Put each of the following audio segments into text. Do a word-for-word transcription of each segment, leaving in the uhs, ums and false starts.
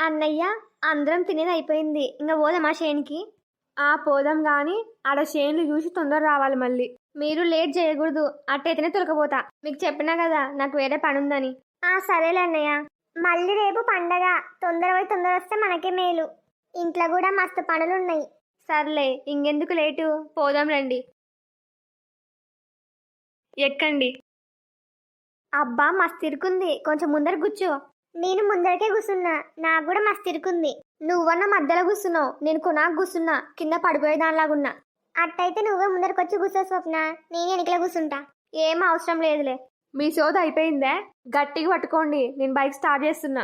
అన్నయ్య, అందరం తినేది అయిపోయింది. ఇంక పోదామా చేనికి? ఆ పోదాం గాని ఆడ చేన్లు చూసి తొందర రావాలి మళ్ళీ. మీరు లేట్ చేయకూడదు, అట్టయితేనే తొలకపోతా. మీకు చెప్పినా కదా నాకు వేరే పని ఉందని. ఆ సరేలే అన్నయ్య. మళ్ళీ రేపు పండగ, తొందర పోయి తొందర వస్తే మనకే మేలు. ఇంట్లో కూడా మస్తు పనులున్నాయి. సర్లే, ఇంకెందుకు లేటు, పోదాం రండి. ఎక్కండి. అబ్బా మస్తు ఇరుకుంది, కొంచెం ముందర కూర్చో. నేను ముందరకే కూర్చున్నా, నాకు కూడా మస్తు ఇరుకుంది. నువ్వన్న మధ్యలో కూర్చున్నావు, నేను కొనాకు కూర్చున్నా, కింద పడిపోయేదానిలాగున్నా. అట్టయితే నువ్వే ముందరకొచ్చి కూర్చో స్వప్న, నేను వెనకలో కూర్చుంటా. ఏం అవసరం లేదులే. మీ సోద అయిపోయిందే, గట్టిగా పట్టుకోండి, నేను బైక్ స్టార్ట్ చేస్తున్నా.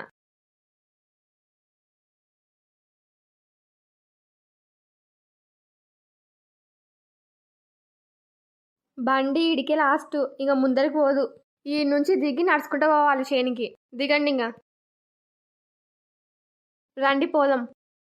బండి ఇడికే లాస్ట్, ఇక ముందరికి పోదు. ఈ నుంచి దిగి నడుచుకుంటూ పోవాలి చేనికి. దిగండి ఇంకా. రండి పోదాం.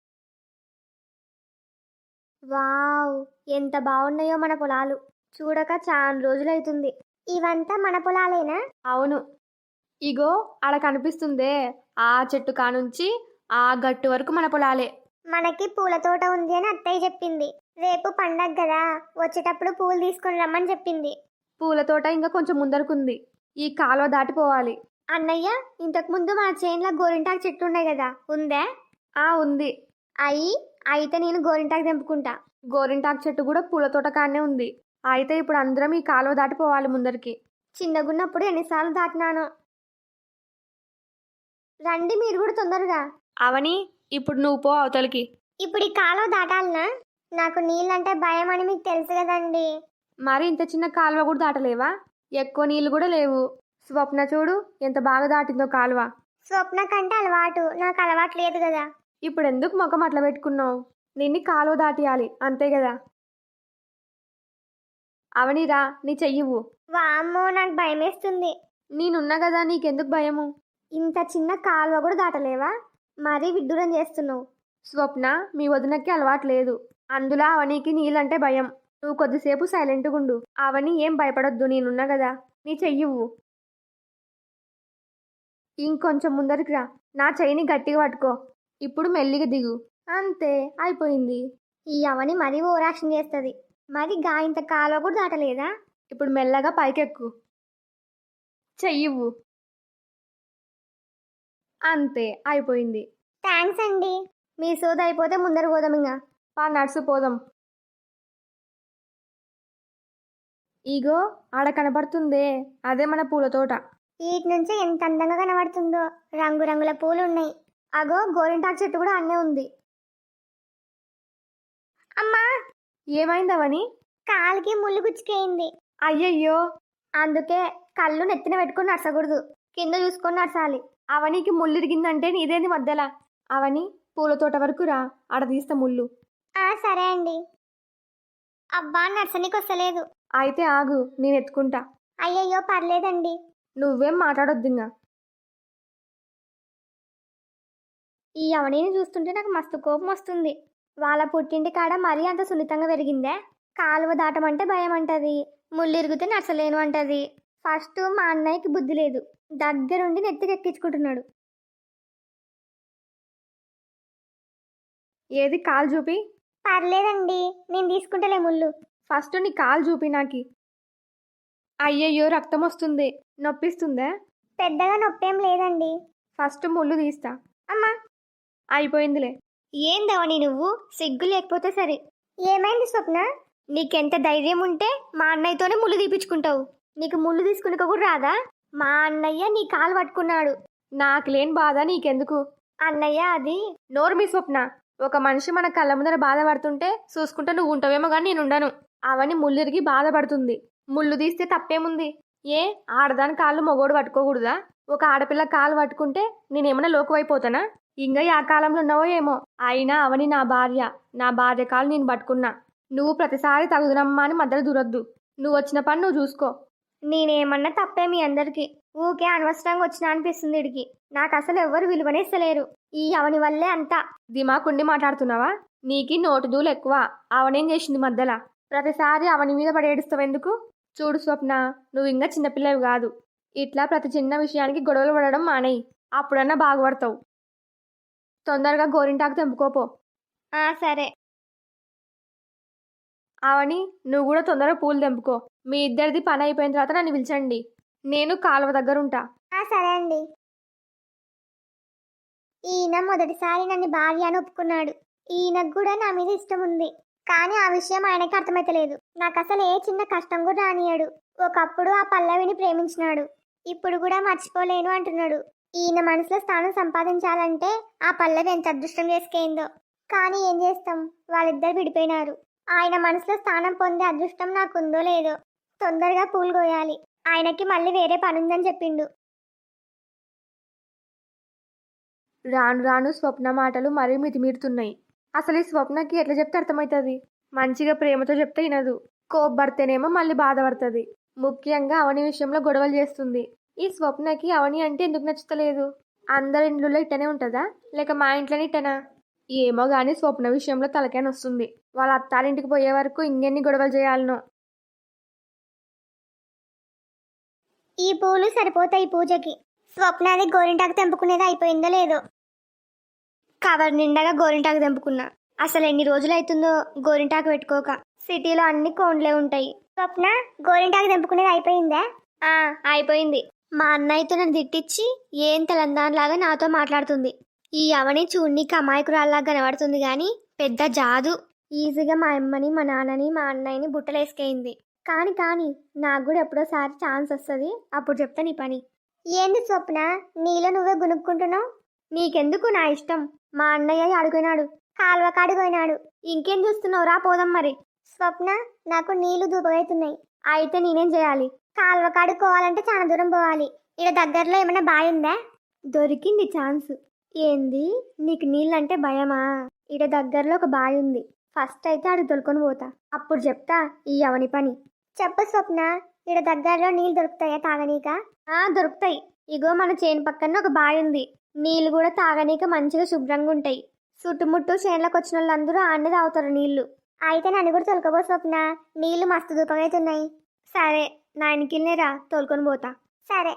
వావ్, ఎంత బాగున్నాయో మన పొలాలు. చూడక చాలా రోజులైతుంది. ఇవంతా మన పొలాలేనా? అవును. ఇగో ఆడ కనిపిస్తుందే, ఆ చెట్టు కానుంచి ఆ గట్టు వరకు మన పొలాలే. మనకి పూల తోట ఉంది అని అత్తయ్య చెప్పింది. రేపు పండగ కదా, వచ్చేటప్పుడు పూలు తీసుకొని రమ్మని చెప్పింది. పూల తోట ఇంకా కొంచెం ముందరకుంది. ఈ కాలువ దాటిపోవాలి. అన్నయ్య, ఇంతకు ముందు మన చేనులో గోరింటాకు చెట్టు ఉండే కదా, ఉందే? ఆ ఉంది. అయ్యి అయితే నేను గోరింటాకు తెంపుకుంటా. గోరింటాకు చెట్టు కూడా పూల తోట కానే ఉంది. అయితే ఇప్పుడు అందరం ఈ కాలువ దాటిపోవాలి ముందరికి. చిన్నగున్నప్పుడు ఎన్నిసార్లు దాటినానో. రండి మీరు కూడా తొందరగా. అవని, ఇప్పుడు నువ్వు పో అవతలికి. ఇప్పుడు ఈ కాలువ దాటాలనా? నాకు నీళ్ళంటే భయం అని మీకు తెలుసు కదండి. మరి ఇంత చిన్న కాలువ కూడా దాటలేవా? ఎక్కువ నీళ్ళు కూడా లేవు. స్వప్న చూడు ఎంత బాగా దాటిందో కాలువ. స్వప్న కంటే అలవాటు, నాకు అలవాటు లేదు కదా. ఇప్పుడు ఎందుకు ముఖం అట్లా పెట్టుకున్నావు? నిన్ను కాలువ దాటియాలి అంతే కదా. అవనిరా, నీ చెయ్యివు. వామ్మో, నాకు భయం వేస్తుంది. నేనున్నా కదా, నీకెందుకు భయము? ఇంత చిన్న కాలువ కూడా దాటలేవా? మరీ విడ్డూరం చేస్తున్నావు. స్వప్న, మీ వదినకి అలవాటు లేదు, అందులో అవనికి నీళ్ళంటే భయం. నువ్వు కొద్దిసేపు సైలెంట్గా ఉండు. అవని ఏం భయపడొద్దు, నేనున్నా కదా. నీ చెయ్యివు. ఇంకొంచెం ముందరికి రా, నా చెయ్యిని గట్టిగా పట్టుకో. ఇప్పుడు మెల్లిగా దిగు. అంతే, అయిపోయింది. ఈ అవని మరీ ఓవరాక్షన్ చేస్తుంది. మరి గా ఇంత కాలువ కూడా దాటలేదా? ఇప్పుడు మెల్లగా పైకెక్కు. చెయ్యివు. అంతే, అయిపోయింది. థ్యాంక్స్ అండి. మీ సోద అయిపోతే ముందర పోదాం. ఇంకా పా నడుసు పోదాం. ఇగో ఆడ కనపడుతుందే, అదే మన పూల తోట. వీటి నుంచి ఎంత అందంగా కనబడుతుందో, రంగురంగుల పూలు ఉన్నాయి. అగో గోరింటాకు చెట్టు కూడా అన్నే ఉంది. అమ్మా, ఏమైందవని? కాలికి ముళ్ళు గుచ్చుకేయింది. అయ్యయ్యో, అందుకే కళ్ళు నెత్తిన పెట్టుకుని నడచకూడదు, కింద చూసుకొని నడచాలి. అవనికి ముళ్ళు ఇరిగిందంటే నీదేంది మధ్యలా? అవని, పూల తోట వరకు రా, ఆడ తీస్తా ముళ్ళు. ఆ సరే అండి. అబ్బా, నడచనీకి వస్తలేదు. అయితే ఆగు, నేను ఎత్తుకుంటా. అయ్యయ్యో, పర్లేదండి. నువ్వేం మాట్లాడొద్దు ఇంకా. ఈ అవనిని చూస్తుంటే నాకు మస్తు కోపం వస్తుంది. వాళ్ళ పుట్టింటి కాడ మరీ అంత సున్నితంగా పెరిగిందే. కాలువ దాటమంటే భయం అంటది, ముళ్ళు ఇరిగితే నడచలేను అంటది. ఫస్ట్ మా అన్నయ్యకి బుద్ధి లేదు, దగ్గరుండి నెత్తికి ఎక్కించుకుంటున్నాడు. ఏది కాలు చూపి. పర్లేదండి, నేను తీసుకుంటలే ముళ్ళు. ఫస్ట్ నీ కాలు చూపి నాకి. అయ్యయ్యో, రక్తం వస్తుంది, నొప్పిస్తుందా? పెద్దగా నొప్పేం లేదండి. ఫస్ట్ ముళ్ళు తీస్తా. అమ్మా, అయిపోయిందిలే. ఏందవని నువ్వు, సిగ్గు లేకపోతే సరే. ఏమైంది స్వప్న? నీకెంత ధైర్యం ఉంటే మా అన్నయ్యతోనే ముళ్ళు తీపించుకుంటావు. నీకు ముళ్ళు తీసుకుని కూడా రాదా? మా అన్నయ్య నీ కాలు పట్టుకున్నాడు. నాకు లేని బాధ నీకెందుకు? అన్నయ్య అది. నోరు మీ స్వప్న. ఒక మనిషి మన కళ్ళ ముందర బాధపడుతుంటే చూసుకుంటే నువ్వు ఉంటావేమో కానీ నేను ఉండను. అవని ముళ్ళిరిగి బాధపడుతుంది, ముళ్ళు తీస్తే తప్పేముంది? ఏ ఆడదాని కాళ్ళు మొగోడు పట్టుకోకూడదా? ఒక ఆడపిల్ల కాలు పట్టుకుంటే నేనేమన్నా లోకువైపోతానా? ఇంకా ఆ కాలంలో ఉన్నావో ఏమో. అయినా అవని నా భార్య, నా భార్య కాలు నేను పట్టుకున్నా. నువ్వు ప్రతిసారి తగుదనమ్మా అని మధ్యలో దూరొద్దు. నువ్వు వచ్చిన పని నువ్వు చూసుకో. నేనేమన్నా తప్పే మీ అందరికి? ఊకే అనవసరంగా వచ్చినా అనిపిస్తుంది ఇడికి. నాకు అసలు ఎవరు విలువనేస్తలేరు. ఈ అవని వల్లే అంతా. దిమాకుండి మాట్లాడుతున్నావా? నీకి నోటు దూలు ఎక్కువ. అవనేం చేసింది మధ్యలో? ప్రతిసారి అవని మీద పడి ఏడుస్తావెందుకు? చూడు స్వప్న, నువ్వు ఇంకా చిన్నపిల్లవి కాదు. ఇట్లా ప్రతి చిన్న విషయానికి గొడవలు పడడం మానేయి, అప్పుడన్నా బాగుపడతావు. తొందరగా గోరింటాకు తెంపుకోపో. ఆ సరే. అవని, నువ్వు కూడా తొందరగా పూలు తెంపుకో. మీ ఇద్దరిది పని అయిపోయిన తర్వాత నన్ను పిలిచండి. నేను కాలువ దగ్గర ఉంటా. సరే అండి. ఈయన మొదటిసారి నన్ను భార్య అని ఒప్పుకున్నాడు. ఈయనకు కూడా నా మీద ఇష్టం ఉంది. కానీ ఆ విషయం ఆయనకి అర్థమైతలేదు. నాకు అసలు ఏ చిన్న కష్టం కూడా రానియాడు. ఒకప్పుడు ఆ పల్లవిని ప్రేమించినాడు. ఇప్పుడు కూడా మర్చిపోలేను అంటున్నాడు. ఈయన మనసులో స్థానం సంపాదించాలంటే ఆ పల్లవి ఎంత అదృష్టం చేసుకేందో. కానీ ఏం చేస్తాం, వాళ్ళిద్దరు విడిపోయినారు. ఆయన మనసులో స్థానం పొందే అదృష్టం నాకుందో లేదో. తొందరగా పూలు కోయాలి. ఆయనకి మళ్ళీ వేరే పనుందని చెప్పిండు. రాను రాను స్వప్న మాటలు మరీ మితిమీరుతున్నాయి. అసలు ఈ స్వప్నకి ఎట్లా చెప్తే అర్థమవుతుంది? మంచిగా ప్రేమతో చెప్తే వినదు. కోప్పడితేనేమో మళ్ళీ బాధపడుతుంది. ముఖ్యంగా అవని విషయంలో గొడవలు చేస్తుంది. ఈ స్వప్నకి అవని అంటే ఎందుకు నచ్చుతలేదు? అందరి ఇంట్లో ఇట్టనే ఉంటుందా, లేక మా ఇంట్లోనే ఇట్టనా? ఏమో గాని స్వప్న విషయంలో తలకాయ వస్తుంది. వాళ్ళ అత్తారింటికి పోయే వరకు ఇంకెన్ని గొడవలు చేయాలనో. ఈ పూలు సరిపోతాయి పూజకి. స్వప్నాది గోరింటాకు తెంపుకునేది అయిపోయిందో లేదో. కవర్ నిండగా గోరింటాకు తెంపుకున్నా. అసలు ఎన్ని రోజులు అవుతుందో గోరింటాకు పెట్టుకోక. సిటీలో అన్ని కోండ్లే ఉంటాయి. స్వప్న, గోరింటాకు తెంపుకునేది అయిపోయిందా? ఆ అయిపోయింది. మా అన్నయ్యతో నన్ను తిట్టించి ఏం తెలంగాణలాగా నాతో మాట్లాడుతుంది. ఈ అవని చూడ్నికి అమాయకురాల్లాగా కనబడుతుంది గాని పెద్ద జాదు. ఈజీగా మా అమ్మని, మా నాన్నని, మా అన్నయ్యని బుట్టలేసుకైంది. కాని కాని నాకు కూడా ఎప్పుడోసారి ఛాన్స్ వస్తుంది, అప్పుడు చెప్తా నీ పని. ఏంది స్వప్న, నీలో నువ్వే గునుక్కుంటున్నావు? నీకెందుకు, నా ఇష్టం. మా అన్నయ్య అడుగునాడు, కాలువ కాడిపోయినాడు. ఇంకేం చూస్తున్నావు, రా పోదాం మరి. స్వప్న, నాకు నీళ్లు దూపగైతున్నాయి. అయితే నేనేం చేయాలి? కాలువ కాడుకోవాలంటే చాలా దూరం పోవాలి. ఇక్కడ దగ్గరలో ఏమైనా బావి ఉందా? దొరికింది ఛాన్స్. ఏంది, నీకు నీళ్ళంటే భయమా? ఇక్కడ దగ్గరలో ఒక బావి ఉంది. ఫస్ట్ అయితే అడిగి తొలుకొని పోతా, అప్పుడు చెప్తా ఈ అవని పని. చెప్పు స్వప్న, ఇక్కడ దగ్గరలో నీళ్ళు దొరుకుతాయా తాగనీక? ఆ దొరుకుతాయి. ఇగో మన చేను పక్కన ఒక బావి ఉంది. నీళ్ళు కూడా తాగనీక మంచిగా శుభ్రంగా ఉంటాయి. చుట్టుముట్టు చేనులకు వచ్చిన వాళ్ళందరూ ఆడనే తాగుతారు నీళ్లు. అయితే నన్ను కూడా తొలకపో స్వప్న, నీళ్లు మస్తు దూపగైతున్నాయి. సరే, నా ఇంకిల్నే రా, తోలుకొని పోతా. సరే.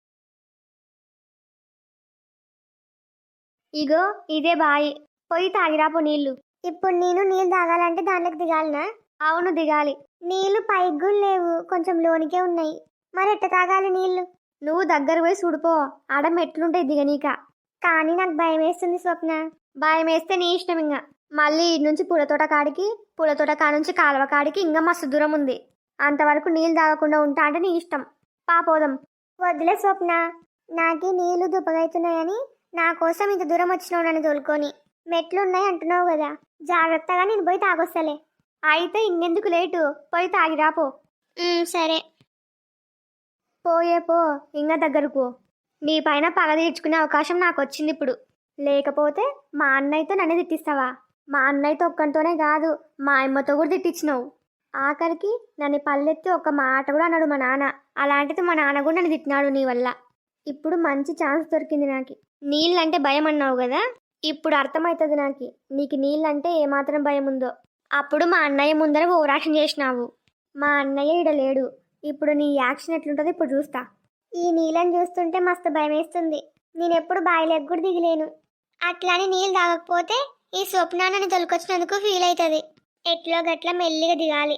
ఇగో ఇదే బాయి, పోయి తాగిరాపో నీళ్లు. ఇప్పుడు నేను నీళ్ళు తాగాలంటే దాంట్లోకి దిగాలనా? అవును దిగాలి. నీళ్లు పైకి కూడా లేవు, కొంచెం లోనికే ఉన్నాయి. మరి ఎట్ట తాగాలి నీళ్లు? నువ్వు దగ్గర పోయి చూడిపో, ఆడ మెట్లుంటాయి దిగనీక. కానీ నాకు భయం వేస్తుంది స్వప్న. భయం వేస్తే నీ ఇష్టం. ఇంకా మళ్ళీ ఇటు నుంచి పూలతోట కాడికి, పూలతోట కాడ నుంచి కాలువ కాడికి ఇంకా మస్తు దూరం ఉంది. అంతవరకు నీళ్ళు తాగకుండా ఉంటా అంటే నీ ఇష్టం. పాపోదాం. వద్దులే స్వప్న, నాకి నీళ్లు దుప్పగైతున్నాయని నా కోసం ఇంత దూరం వచ్చినావు నన్ను తోలుకొని. మెట్లున్నాయి అంటున్నావు కదా, జాగ్రత్తగా నేను పోయి తాగొస్తలే. అయితే ఇంకెందుకు లేటు, పోయి తాగిరాపో. సరే. పోయే పో, ఇంకా దగ్గరకు. నీ పైన పగ తీర్చుకునే అవకాశం నాకు వచ్చింది ఇప్పుడు. లేకపోతే మా అన్నయ్యతో నన్ను తిట్టిస్తావా? మా అన్నయ్యతో ఒక్కరితోనే కాదు, మా అమ్మతో కూడా తిట్టించినావు. ఆఖరికి నన్ను పల్లెత్తి ఒక్క మాట కూడా అన్నాడు మా నాన్న. అలాంటిది మా నాన్న కూడా నన్ను తిట్టినాడు నీ వల్ల. ఇప్పుడు మంచి ఛాన్స్ దొరికింది నాకు. నీళ్ళంటే భయం అన్నావు కదా, ఇప్పుడు అర్థమవుతుంది నాకు నీకు నీళ్ళంటే ఏమాత్రం భయం ఉందో. అప్పుడు మా అన్నయ్య ముందర ఓవరాక్షన్ చేసినావు. మా అన్నయ్య ఈడ లేడు. ఇప్పుడు నీ యాక్షన్ ఎట్లుంటుందో ఇప్పుడు చూస్తా. ఈ నీళ్ళని చూస్తుంటే మస్తు భయం వేస్తుంది. నేను ఎప్పుడు బాయిలోకి కూడా దిగలేను. అట్లాని నీళ్ళు తాగకపోతే ఈ స్వప్నాన్ని తొలకొచ్చినందుకు ఫీల్ అవుతుంది. ఎట్లో గట్ల మెల్లిగా దిగాలి.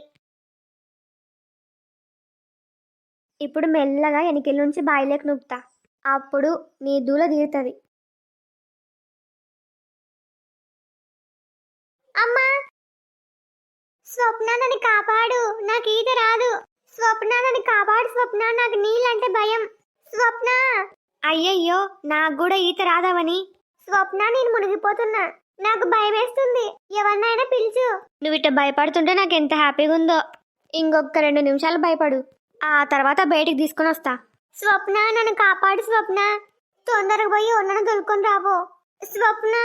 ఇప్పుడు మెల్లగా వెనకెళ్ళ నుంచి బాయిలోకి నూపుతా, అప్పుడు నీ దూల తీరుతుంది. అమ్మా, స్వప్న నన్ను కాపాడు, నాకు ఈత రాదు. స్వప్న నన్ను కాపాడు స్వప్న, నాకు నీళ్ళంటే భయం. స్వప్న. అయ్యయ్యో, నాకు కూడా ఈత రాదావని. స్వప్న, నేను మునిగిపోతున్నా, నాకు భయం వేస్తుంది, ఎవరినైనా పిలుచు. నువ్వు ఇట్ట భయపడుతుంటే నాకు ఎంత హ్యాపీగా ఉందో. ఇంకొక రెండు నిమిషాలు భయపడు, ఆ తర్వాత బయటికి తీసుకొని వస్తా. స్వప్న, నన్ను కాపాడు స్వప్న, తొందరగా పోయి ఉన్నను దొరుకుని రాబో. స్వప్న.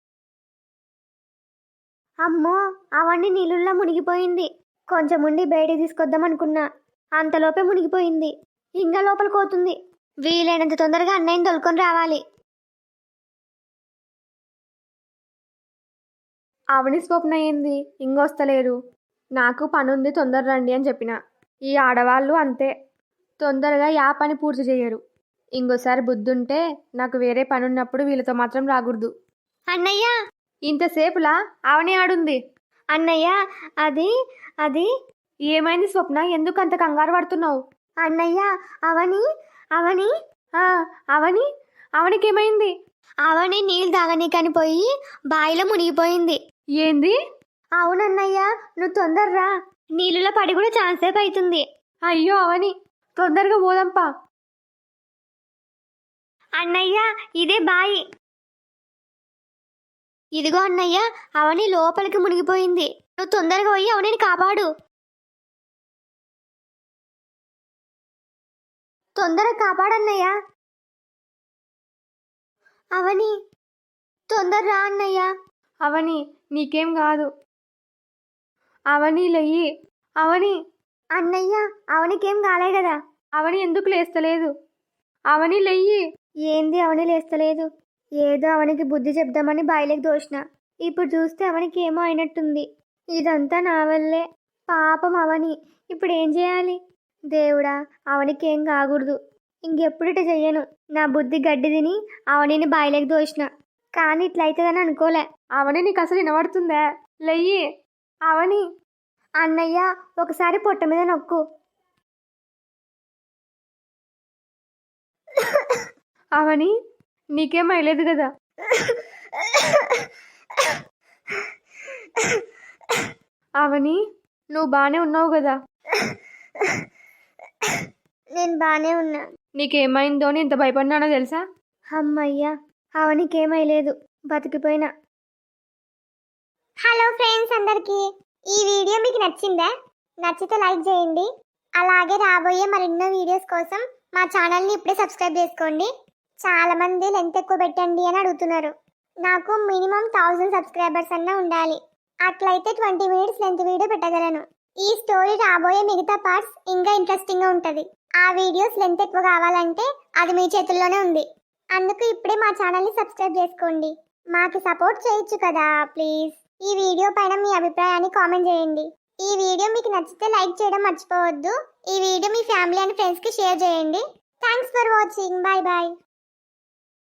అమ్మో, అవన్నీ నీళ్ళల్లో మునిగిపోయింది. కొంచెం ఉండి బయటికి తీసుకొద్దాం అనుకున్నా, అంతలోపే మునిగిపోయింది. ఇంకా లోపలికి పోతుంది. వీలైనంత తొందరగా అన్నయ్యని తొలుకొని రావాలి. అవని స్వప్న ఏంది ఇంకొస్తలేరు? నాకు పనుంది, తొందర రండి అని చెప్పిన. ఈ ఆడవాళ్ళు అంతే, తొందరగా యా పని పూర్తి చేయరు. ఇంకోసారి బుద్ధుంటే నాకు వేరే పని ఉన్నప్పుడు వీళ్ళతో మాత్రం రాకూడదు. అన్నయ్య ఇంతసేపులా అవని ఆడుంది. అన్నయ్య అది అది ఏమైంది స్వప్న? ఎందుకు అంత కంగారు పడుతున్నావు? అన్నయ్య అవని అవని ఆ, అవని అవనికేమైంది? అవని నీళ్ళు తాగనీకని పోయి బావిలో మునిగిపోయింది. ఏంది? అవునన్నయ్య, నువ్వు తొందరరా, నీళ్ళలో పడి కూడా చాలాసేపు అవుతుంది. అయ్యో అవని, తొందరగా పోదాంపా. అన్నయ్య ఇదే బాయి. ఇదిగో అన్నయ్య, అవని లోపలికి మునిగిపోయింది. నువ్వు తొందరగా పోయి అవనిని కాపాడు. తొందరగా కాపాడన్నయ్య. అవని తొందర రా అన్నయ్య. అవని నీకేం కాదు. అవని లెయ్యి. అవని. అన్నయ్య అవనికేం కాలే కదా. అవని ఎందుకు లేస్తలేదు? అవని లెయ్యి. ఏంది అవని లేస్తలేదు? ఏదో అవనికి బుద్ధి చెప్దామని బాయిలోకి దోసిన. ఇప్పుడు చూస్తే అవనికి ఏమో అయినట్టుంది. ఇదంతా నా వల్లే. పాపం అవని. ఇప్పుడు ఏం చేయాలి? దేవుడా, అవనికేం కాకూడదు. ఇంకెప్పుడిట చెయ్యను. నా బుద్ధి గడ్డి తిని అవనిని బాయిలోకి దోసిన. కానీ ఇట్లయితుందని అనుకోలే. అవని నీకు అసలు వినబడుతుందా? లెయ్యి. అవని. అన్నయ్య ఒకసారి పొట్ట మీద నొక్కు. అవని నీకేం అయ్యలేదు కదా? అవని నువ్వు బాగానే ఉన్నావు కదా? నేను బాగానే ఉన్నా. నీకేమైందో అని ఇంత భయపడినానో తెలుసా? అమ్మయ్యా, అవనికేమైలేదు, బతికిపోయినా. హలో ఫ్రెండ్స్ అందరికీ, ఈ వీడియో మీకు నచ్చిందా? నచ్చితే లైక్ చేయండి. అలాగే రాబోయే మరెన్నో వీడియోస్ కోసం మా ఛానల్ని ఇప్పుడే సబ్స్క్రైబ్ చేసుకోండి. చాలా మంది లెంత్ ఎక్కువ పెట్టండి అని అడుగుతున్నారు. నాకు మినిమం థౌజండ్ సబ్స్క్రైబర్స్ అన్నా ఉండాలి. అట్లయితే ట్వంటీ మినిట్స్ లెంత్ వీడియో పెట్టగలను. ఈ స్టోరీ రాబోయే మిగతా పార్ట్స్ ఇంకా ఇంట్రెస్టింగ్గా ఉంటుంది. ఆ వీడియోస్ లెంత్ ఎక్కువ కావాలంటే అది మీ చేతుల్లోనే ఉంది. అందుకు ఇప్పుడే మా ఛానల్ని సబ్స్క్రైబ్ చేసుకోండి. మాకు సపోర్ట్ చేయొచ్చు కదా ప్లీజ్. ఈ వీడియో పైన మీ అభిప్రాయాన్ని కామెంట్ చేయండి. ఈ వీడియో మీకు నచ్చితే లైక్ చేయడం మర్చిపోవద్దు. ఈ వీడియో మీ ఫ్యామిలీ అండ్ ఫ్రెండ్స్కి షేర్ చేయండి. Thanks for watching. Bye bye.